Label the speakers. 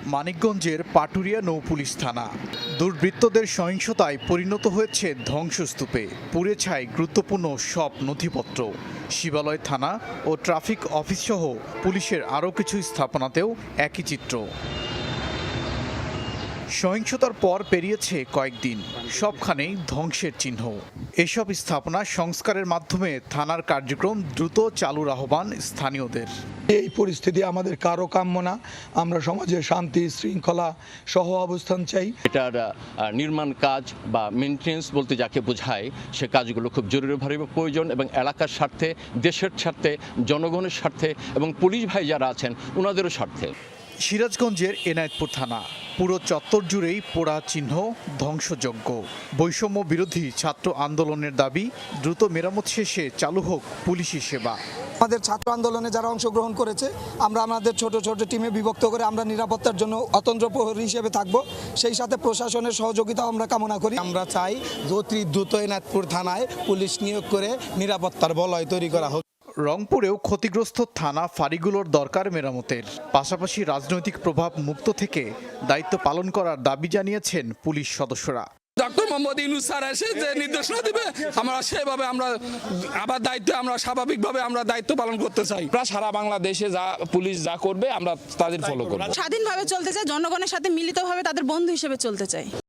Speaker 1: মানিকগঞ্জের পাটুরিয়া নৌপুলিশ থানা দুর্বৃত্তদের সহিংসতায় পরিণত হয়েছে ধ্বংসস্তূপে। পুড়ে ছাই গুরুত্বপূর্ণ সব নথিপত্র। শিবালয় থানা ও ট্রাফিক অফিসসহ পুলিশের আরও কিছু স্থাপনাতেও একই চিত্র। সহিংসতার পর পেরিয়েছে কয়েকদিন, সবখানেই ধ্বংসের চিহ্ন। এসব স্থাপনা সংস্কারের মাধ্যমে থানার কার্যক্রম দ্রুত চালুর আহ্বান স্থানীয়দের।
Speaker 2: এই পরিস্থিতি আমাদের কারো কাম্য না। আমরা সমাজে শান্তি শৃঙ্খলা সহ অবস্থান চাই।
Speaker 3: এটার নির্মাণ কাজ বা মেনটেন্স বলতে যাকে বোঝায় সে কাজগুলো খুব জরুরিভাবে প্রয়োজন এবং এলাকার স্বার্থে, দেশের স্বার্থে, জনগণের স্বার্থে এবং পুলিশ ভাই যারা আছেন ওনাদেরও স্বার্থে।
Speaker 1: সিরাজগঞ্জের এনায়েতপুর থানা পুরো চত্বর জুড়েই পোড়া চিহ্ন, ধ্বংসযজ্ঞ। বৈষম্য বিরোধী ছাত্র আন্দোলনের দাবি দ্রুত মেরামত শেষে চালু হোক পুলিশি সেবা।
Speaker 4: আমাদের ছাত্র আন্দোলনে যারা অংশগ্রহণ করেছে আমরা আমাদের ছোট ছোট টিমে বিভক্ত করে আমরা নিরাপত্তার জন্য অতন্ত্র প্রহরী হিসেবে থাকব। সেই সাথে প্রশাসনের সহযোগিতা আমরা কামনা করি।
Speaker 5: আমরা চাই অতি দ্রুত এনায়েতপুর থানায় পুলিশ নিয়োগ করে নিরাপত্তার বলয় তৈরি করা হোক।
Speaker 1: রংপুরেও ক্ষতিগ্রস্ত থানা ফাঁড়িগুলোর দরকার মেরামতের। পাশাপাশি রাজনৈতিক প্রভাব মুক্ত থেকে দায়িত্ব পালন করার দাবি জানিয়েছেন পুলিশ সদস্যরা।
Speaker 6: ডক্টর মোহাম্মদ ইউনূস স্যার এসে যে নির্দেশনা দিবে আমরা সেভাবে আমরা আবার স্বাভাবিকভাবে আমরা দায়িত্ব পালন করতে চাই। সারা বাংলাদেশে যা পুলিশ যা করবে আমরা তাদের ফলো করব।
Speaker 7: স্বাধীনভাবে চলতে চাই, জনগণের সাথে মিলিতভাবে তাদের বন্ধু হিসেবে চলতে চাই।